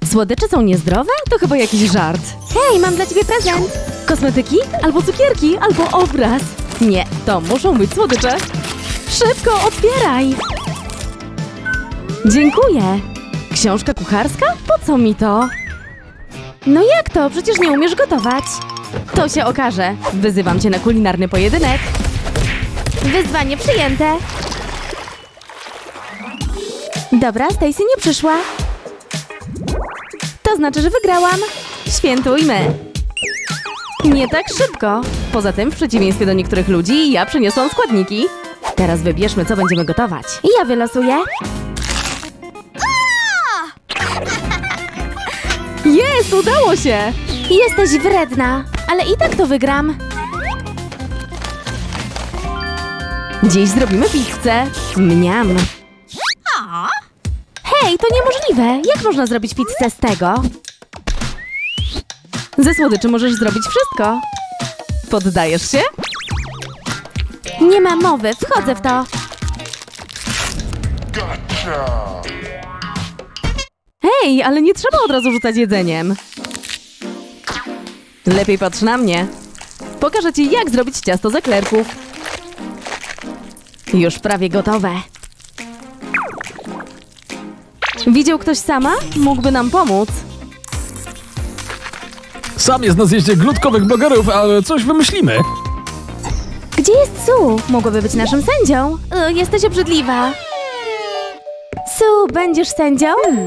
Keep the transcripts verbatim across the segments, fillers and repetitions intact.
Słodycze są niezdrowe? To chyba jakiś żart. Hej, mam dla ciebie prezent! Kosmetyki? Albo cukierki? Albo obraz? Nie, to muszą być słodycze. Szybko, otwieraj! Dziękuję. Książka kucharska? Po co mi to? No jak to? Przecież nie umiesz gotować. To się okaże. Wyzywam cię na kulinarny pojedynek. Wyzwanie przyjęte. Dobra, Stacy nie przyszła. To znaczy, że wygrałam. Świętujmy. Nie tak szybko. Poza tym, w przeciwieństwie do niektórych ludzi, ja przyniosłam składniki. Teraz wybierzmy, co będziemy gotować. Ja wylosuję. Jest, udało się! Jesteś wredna, ale i tak to wygram. Dziś zrobimy pizzę. Mniam. Hej, to niemożliwe. Jak można zrobić pizzę z tego? Ze słodyczy możesz zrobić wszystko. Poddajesz się? Nie ma mowy, wchodzę w to. Hej, ale nie trzeba od razu rzucać jedzeniem. Lepiej patrz na mnie. Pokażę ci, jak zrobić ciasto z eklerków. Już prawie gotowe. Widział ktoś sama? Mógłby nam pomóc. Sam jest na zjeździe glutkowych blogerów, ale coś wymyślimy. Gdzie jest Sue? Mogłaby być naszym sędzią. Y, jesteś obrzydliwa. Sue, będziesz sędzią?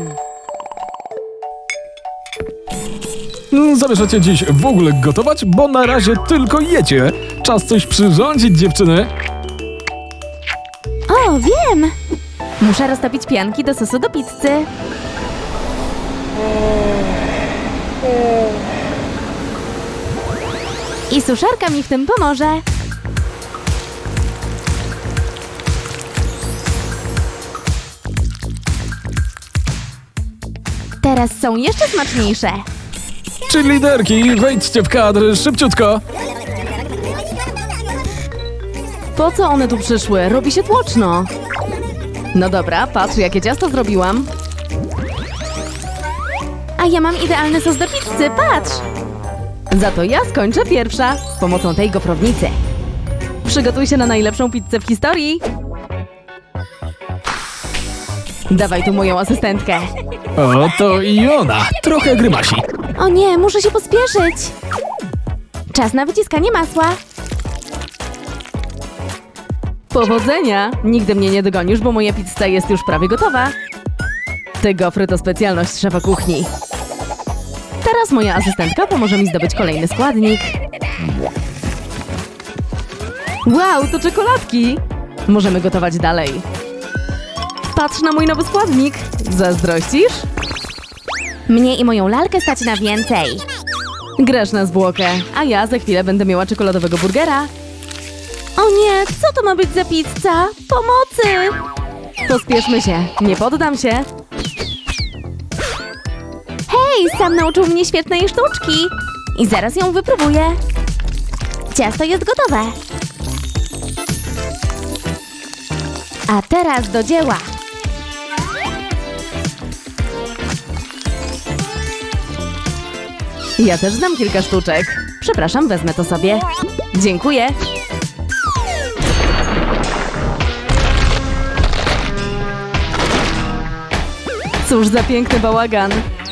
No, zamierzacie dziś w ogóle gotować? Bo na razie tylko jecie. Czas coś przyrządzić, dziewczyny. O, wiem! Muszę roztopić pianki do sosu do pizzy. I suszarka mi w tym pomoże. Teraz są jeszcze smaczniejsze. Czy liderki, wejdźcie w kadr szybciutko. Po co one tu przyszły? Robi się tłoczno. No dobra, patrz, jakie ciasto zrobiłam. A ja mam idealny sos do pizzy, patrz! Za to ja skończę pierwsza z pomocą tej gofrownicy. Przygotuj się na najlepszą pizzę w historii. Dawaj tu moją asystentkę. O, to i ona. Trochę grymasi. O nie, muszę się pospieszyć. Czas na wyciskanie masła. Powodzenia! Nigdy mnie nie dogonisz, bo moja pizza jest już prawie gotowa. Te gofry to specjalność szefa kuchni. Teraz moja asystentka pomoże mi zdobyć kolejny składnik. Wow, to czekoladki! Możemy gotować dalej. Patrz na mój nowy składnik. Zazdrościsz? Mnie i moją lalkę stać na więcej. Grasz na zwłokę, a ja za chwilę będę miała czekoladowego burgera. O nie, co to ma być za pizza? Pomocy! Pospieszmy się, nie poddam się. Hej, sam nauczył mnie świetnej sztuczki. I zaraz ją wypróbuję. Ciasto jest gotowe. A teraz do dzieła. Ja też znam kilka sztuczek. Przepraszam, wezmę to sobie. Dziękuję. Cóż za piękny bałagan.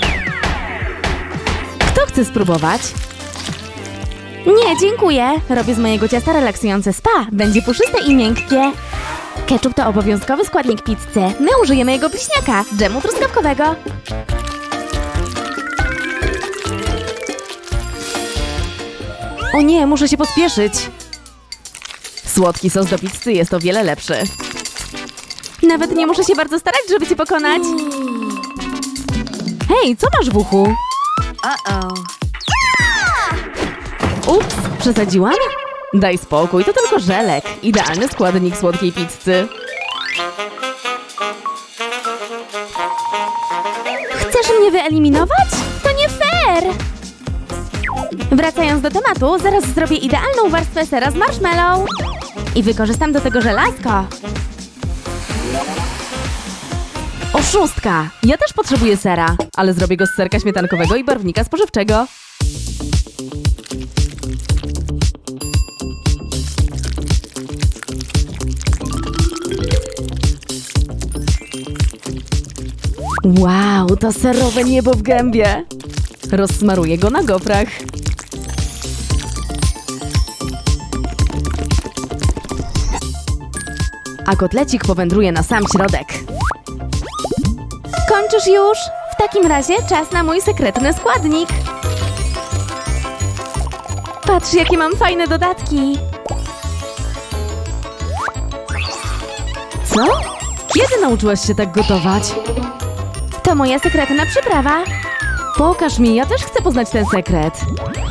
Kto chce spróbować? Nie, dziękuję. Robię z mojego ciasta relaksujące spa. Będzie puszyste i miękkie. Ketchup to obowiązkowy składnik pizzy. My użyjemy jego bliźniaka, dżemu truskawkowego. O nie, muszę się pospieszyć. Słodki sos do pizzy jest o wiele lepszy. Nawet nie muszę się bardzo starać, żeby cię pokonać. Hej, co masz w uchu? Uh-oh. Ups, przesadziłam? Daj spokój, to tylko żelek. Idealny składnik słodkiej pizzy. Chcesz mnie wyeliminować? To nie fair! Wracając do tematu, zaraz zrobię idealną warstwę sera z marshmallow. I wykorzystam do tego żelazko. Szóstka! Ja też potrzebuję sera, ale zrobię go z serka śmietankowego i barwnika spożywczego. Wow, to serowe niebo w gębie! Rozsmaruję go na gofrach. A kotlecik powędruje na sam środek. Kończysz już? W takim razie czas na mój sekretny składnik. Patrz, jakie mam fajne dodatki. Co? Kiedy nauczyłaś się tak gotować? To moja sekretna przyprawa. Pokaż mi, ja też chcę poznać ten sekret.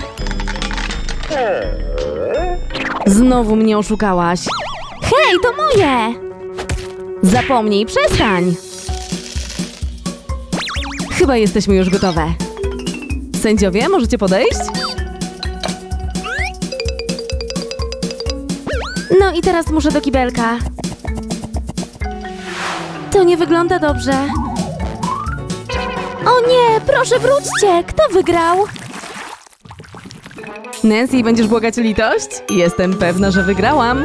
Znowu mnie oszukałaś. Hej, to moje! Zapomnij, przestań! Chyba jesteśmy już gotowe. Sędziowie, możecie podejść? No i teraz muszę do kibelka. To nie wygląda dobrze. O nie, proszę wróćcie! Kto wygrał? Nancy, będziesz błagać o litość? Jestem pewna, że wygrałam.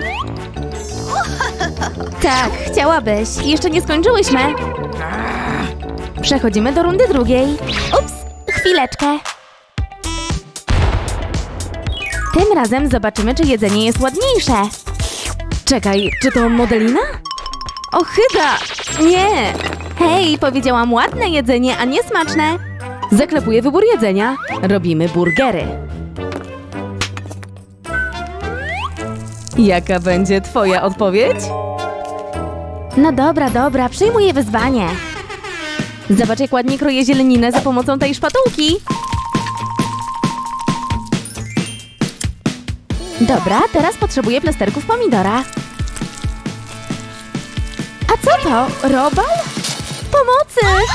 Tak, chciałabyś. Jeszcze nie skończyłyśmy. Przechodzimy do rundy drugiej. Ups, chwileczkę. Tym razem zobaczymy, czy jedzenie jest ładniejsze. Czekaj, czy to modelina? Ochyda! Nie! Hej, powiedziałam ładne jedzenie, a nie smaczne. Zaklepuję wybór jedzenia. Robimy burgery. Jaka będzie twoja odpowiedź? No dobra, dobra, przyjmuję wyzwanie. Zobacz, jak ładnie kroję zieleninę za pomocą tej szpatułki. Dobra, teraz potrzebuję plasterków pomidora. A co to? Robal? Pomocy!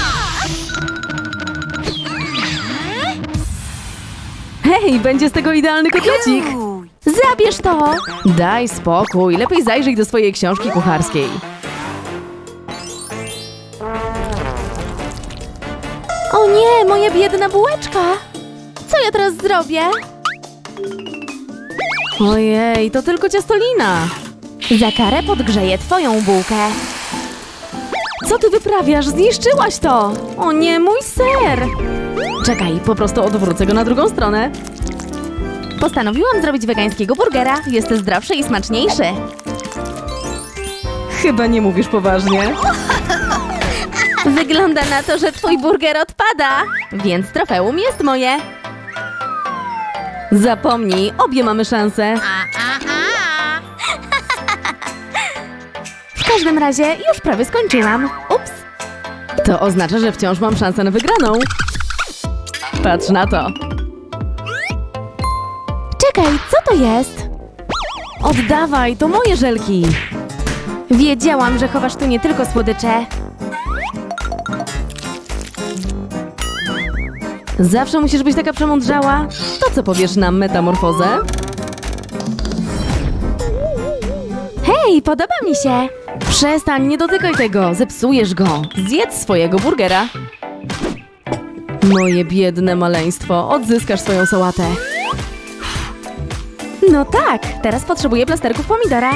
Hej, będzie z tego idealny kotlecik. Zabierz to! Daj spokój, lepiej zajrzyj do swojej książki kucharskiej. O nie, moja biedna bułeczka! Co ja teraz zrobię? Ojej, to tylko ciastolina. Za karę podgrzeję twoją bułkę. Co ty wyprawiasz? Zniszczyłaś to! O nie, mój ser! Czekaj, po prostu odwrócę go na drugą stronę. Postanowiłam zrobić wegańskiego burgera. Jest zdrowszy i smaczniejszy. Chyba nie mówisz poważnie. Wygląda na to, że twój burger odpada, więc trofeum jest moje. Zapomnij, obie mamy szansę. W każdym razie już prawie skończyłam. Ups. To oznacza, że wciąż mam szansę na wygraną. Patrz na to. Czekaj, co to jest? Oddawaj, to moje żelki. Wiedziałam, że chowasz tu nie tylko słodycze. Zawsze musisz być taka przemądrzała. To co powiesz na metamorfozę? Hej, podoba mi się. Przestań, nie dotykaj tego, zepsujesz go. Zjedz swojego burgera. Moje biedne maleństwo, odzyskasz swoją sałatę. No tak, teraz potrzebuję plasterków pomidora.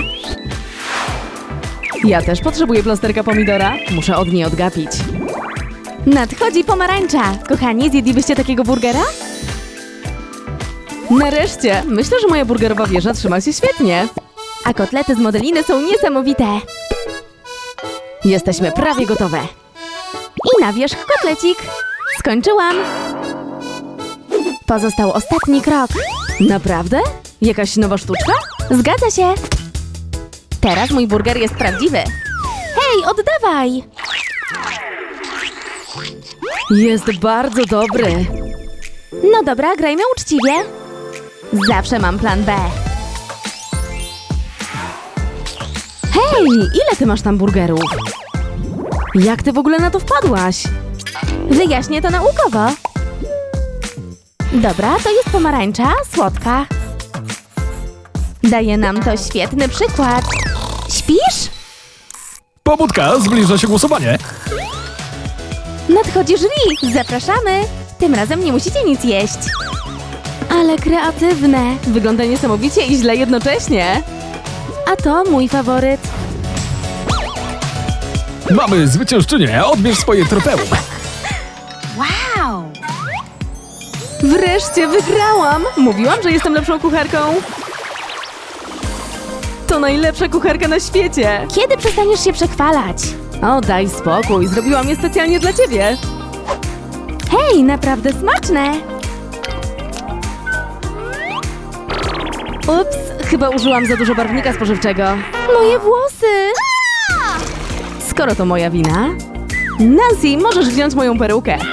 Ja też potrzebuję plasterka pomidora. Muszę od niej odgapić. Nadchodzi pomarańcza. Kochani, zjedlibyście takiego burgera? Nareszcie! Myślę, że moja burgerowa wieża trzyma się świetnie. A kotlety z modeliny są niesamowite. Jesteśmy prawie gotowe. I na wierzch kotlecik. Skończyłam. Pozostał ostatni krok. Naprawdę? Jakaś nowa sztuczka? Zgadza się. Teraz mój burger jest prawdziwy. Hej, oddawaj! Jest bardzo dobry. No dobra, grajmy uczciwie. Zawsze mam plan B. Hej, ile ty masz tam burgerów? Jak ty w ogóle na to wpadłaś? Wyjaśnię to naukowo. Dobra, to jest pomarańcza, słodka. Daje nam to świetny przykład. Śpisz? Pobudka, zbliża się głosowanie. Nadchodzi jury! Zapraszamy! Tym razem nie musicie nic jeść. Ale kreatywne. Wygląda niesamowicie i źle jednocześnie. A to mój faworyt. Mamy zwyciężczynię, odbierz swoje trofeum. Wow! Wreszcie wygrałam! Mówiłam, że jestem lepszą kucharką. To najlepsza kucharka na świecie. Kiedy przestaniesz się przechwalać? O, daj spokój, zrobiłam je specjalnie dla ciebie. Hej, naprawdę smaczne! Ups, chyba użyłam za dużo barwnika spożywczego. Moje włosy! Skoro to moja wina... Nancy, możesz wziąć moją perukę.